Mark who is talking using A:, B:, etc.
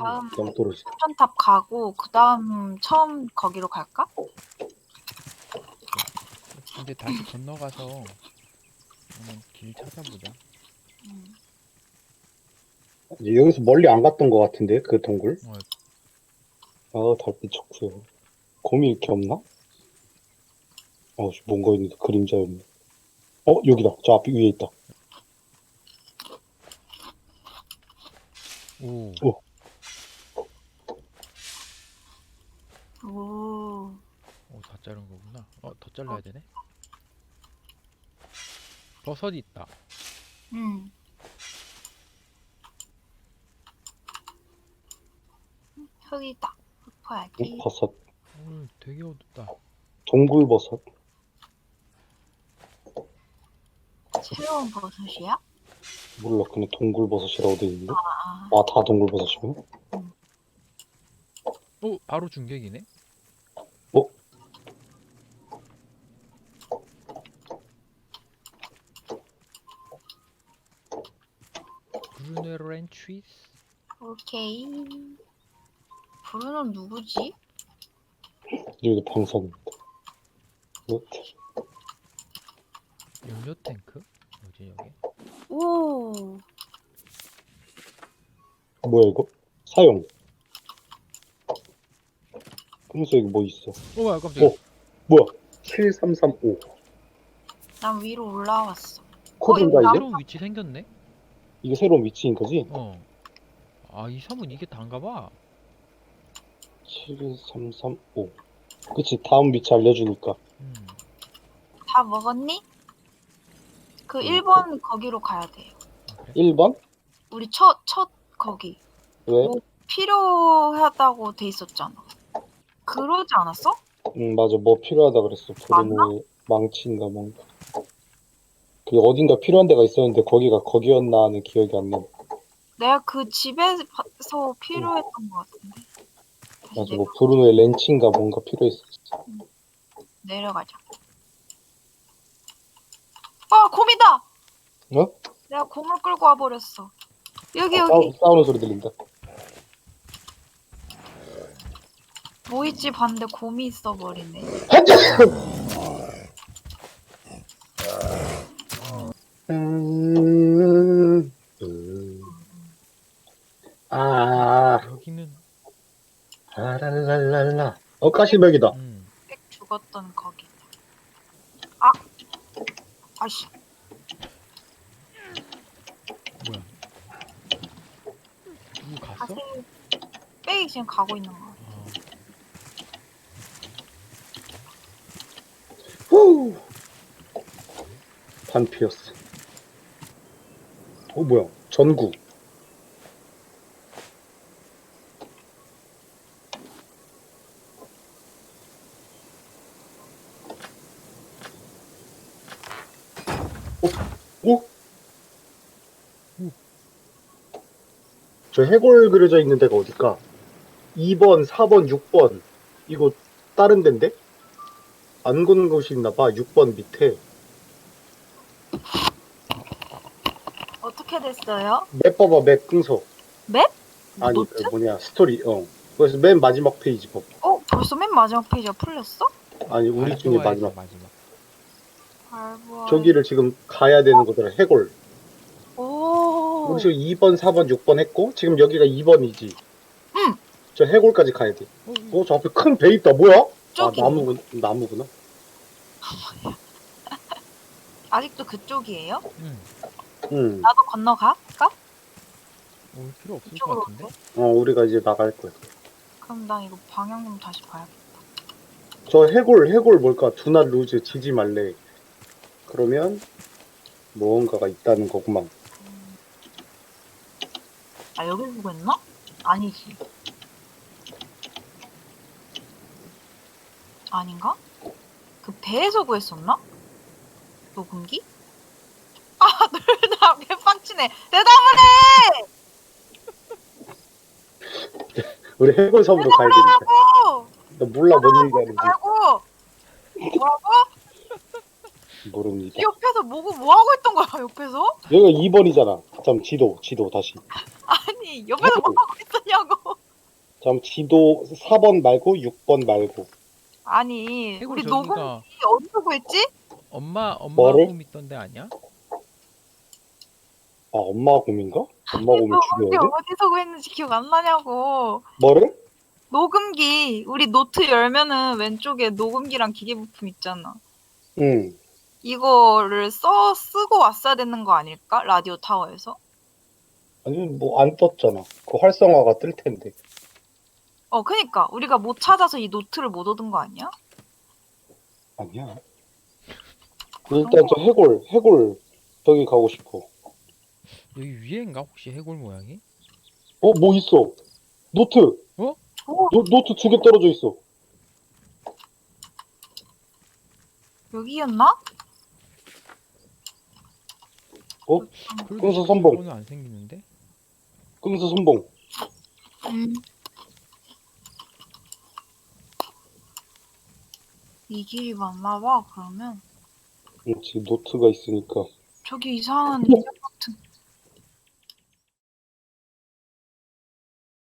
A: 다음
B: 너무 떨어지다.
A: 폭탄탑 가고 그 다음 처음 거기로 갈까?
C: 근데 다시 건너가서 한번 길 찾아보자.
B: 이제 여기서 멀리 안 갔던 것 같은데, 그 동굴?
C: 어,
B: 아, 달빛 좋고요. 곰이 이렇게 없나? 뭔가 있는데 그림자였네. 여기다. 저 앞에 위에 있다.
C: 오,
B: 오,
A: 오.
C: 다 자른 거구나. 더 잘라야 되네. 버섯이 있다.
A: 응. 흙이다. 흙어야지.
B: 버섯.
C: 되게 어둡다.
B: 동굴버섯.
A: 새로운 버섯이야?
B: 몰라, 그냥 동굴버섯이라고 돼 있는데?
A: 아,
B: 다 동굴버섯이구나.
C: 바로 중격이네.
B: 어?
C: 브루네로 엔트리스.
A: 오케이. 브루는 누구지?
B: 여기도 방사입니다.
C: 연료 탱크? 뭐지 여기?
A: 오.
B: 뭐야, 이거? 사용. 그래서 여기 뭐 있어?
C: 뭐야 깜짝이야.
B: 뭐야? 7335.
A: 난 위로 올라왔어.
B: 코드인가,
A: 이거
B: 이게?
C: 새로운 위치 생겼네?
B: 이게 새로운 위치인 거지?
C: 이 섬은 이게 단가봐.
B: 72335. 그치, 다음 위치 알려주니까.
A: 다 먹었니? 그
B: 음.
A: 1번 거기로 가야 돼요.
C: 그래?
B: 1번?
A: 우리 첫 거기.
B: 왜?
A: 뭐 필요하다고 돼 있었잖아. 그러지 않았어?
B: 맞아. 뭐 필요하다 그랬어. 브루노의 망치인가 뭔가. 그 어딘가 필요한 데가 있었는데 거기가 거기였나 하는 기억이 안 나.
A: 내가 그 집에서 필요했던 것 같은데. 다시
B: 맞아. 뭐 브루노의 렌치인가 뭔가 필요했었어.
A: 내려가자. 곰이다!
B: 어?
A: 내가 곰을 끌고 와버렸어. 여기.
B: 싸우는 소리 들린다.
A: 뭐 있지 봤는데 곰이 있어버리네.
C: 여기는
B: 아랄랄랄라. 가시벽이다.
A: 빽 죽었던 거기. 아씨.
C: 뭐야? 누구 갔어?
A: 빽이 지금 가고 있는 거야.
B: 후. 반피였어. 뭐야? 전구. 저 해골 그려져 있는 데가 어딜까? 2번, 4번, 6번. 이거 다른 데인데? 안 건 곳이 있나봐. 6번 밑에.
A: 어떻게 됐어요?
B: 맵 봐봐, 맵 끈서.
A: 맵?
B: 아니,
A: 노트?
B: 스토리, 그래서 맨 마지막 페이지 봐봐.
A: 벌써 맨 마지막 페이지가 풀렸어?
B: 아니, 우리 중에 마지막.
A: 알고.
B: 저기를 지금 가야 되는 거더라, 해골.
A: 오.
B: 우리 지금 2번, 4번, 6번 했고, 지금 여기가 2번이지.
A: 응.
B: 저 해골까지 가야 돼. 저 앞에 큰 배 있다, 뭐야?
A: 저기.
B: 나무구나.
A: 아직도 그쪽이에요?
B: 응.
A: 나도 건너갈까?
C: 필요 없을 것
A: 이쪽으로
C: 같은데?
B: 우리가 이제 나갈 거야.
A: 그럼 난 이거 방향 좀 다시 봐야겠다.
B: 저 해골 뭘까? 두나 루즈 지지 말래. 그러면 무언가가 있다는 거구만.
A: 여기 구했나? 아니지. 아닌가? 그 배에서 구했었나? 녹음기? 나 개빡치네. 대답을 해!
B: 우리 해골 섬으로 가야 되니까.
A: 하고!
B: 나 몰라, 뭔 얘기하는지.
A: 말고! 뭐라고?
B: 모릅니다.
A: 옆에서 뭐 하고 있던 거야, 옆에서?
B: 여기가 2번이잖아. 지도 다시.
A: 아니, 옆에서 뭐 하고 있었냐고.
B: 그럼 지도 4번 말고 6번 말고.
A: 아니
C: 해골
A: 우리 녹음기
C: 저기가
A: 어디서 구했지?
C: 엄마
B: 뭐를?
C: 곰 있던데 아니야?
B: 아, 엄마 곰인가? 엄마 곰을
A: 녹음기
B: 죽여야 돼?
A: 어디서 구했는지 기억 안 나냐고.
B: 뭐를?
A: 녹음기 우리 노트 열면은 왼쪽에 녹음기랑 기계 부품 있잖아.
B: 응.
A: 이거를 쓰고 왔어야 되는 거 아닐까? 라디오 타워에서?
B: 아니, 뭐, 안 떴잖아. 그 활성화가 뜰 텐데.
A: 그니까 우리가 못 찾아서 이 노트를 못 얻은 거 아니야?
B: 아니야. 일단 저 해골, 저기 가고 싶어.
C: 여기 위에인가 혹시 해골 모양이?
B: 뭐 있어? 노트!
C: 어?
B: 노트 2개 떨어져 있어.
A: 여기였나?
C: 그래도
B: 끈서 선봉.
C: 저거는 안 생기는데?
B: 끈서 선봉.
A: 이 길이 맞나 봐. 그러면
B: 지금 노트가 있으니까.
A: 저기 이상한 인형 같은